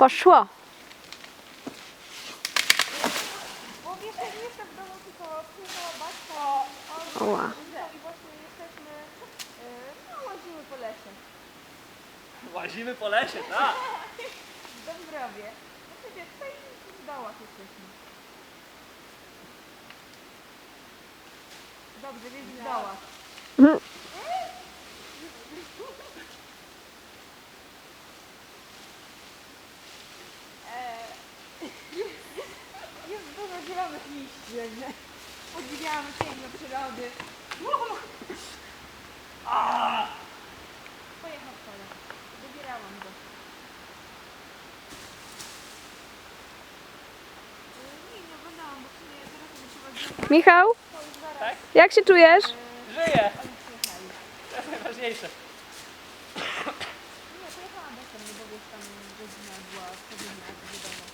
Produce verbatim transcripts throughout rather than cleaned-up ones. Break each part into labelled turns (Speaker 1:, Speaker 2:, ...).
Speaker 1: Poszło.
Speaker 2: Bo wiesz, ja nie jestem w domu, tylko przyjechała babcia.
Speaker 1: Oła.
Speaker 2: I właśnie jesteśmy, yy, no łazimy po lesie.
Speaker 3: Łazimy po lesie, tak?
Speaker 2: W Dąbrowie. No przecież tutaj w dołach jesteśmy. Dobrze, więc w dołach.
Speaker 1: Mhm.
Speaker 2: Jest dużo zielonych liści, nie? Podziwiamy piękno przyrody. Pojechał w pole. Wybierałam go. Nie, nie oglądałam, bo w sumie ja teraz będę się łaziła.
Speaker 1: Michał,
Speaker 2: To już zaraz
Speaker 3: Tak?
Speaker 1: jak się czujesz?
Speaker 3: Żyję!
Speaker 2: oni przyjechali.
Speaker 3: To jest najważniejsze.
Speaker 2: Nie, pojechałam bez mnie, bo wiesz, tam godzina była codzienna, to wiadomo.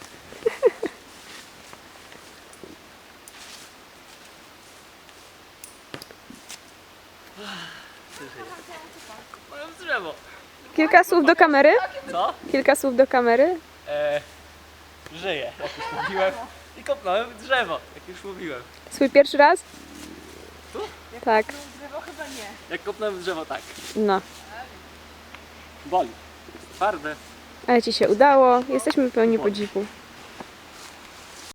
Speaker 3: Moją drzewo.
Speaker 1: Kilka słów do kamery?
Speaker 3: Co?
Speaker 1: Kilka słów do kamery?
Speaker 3: E, żyję, jak już mówiłem. I kopnąłem w drzewo, jak już mówiłem.
Speaker 1: Swój pierwszy raz?
Speaker 3: Tu?
Speaker 1: Tak,
Speaker 2: No drzewo chyba nie.
Speaker 3: Jak kopnąłem w drzewo, tak.
Speaker 1: no.
Speaker 3: Boli. Twarde.
Speaker 1: Ale ci się udało. Jesteśmy pełni podziwu.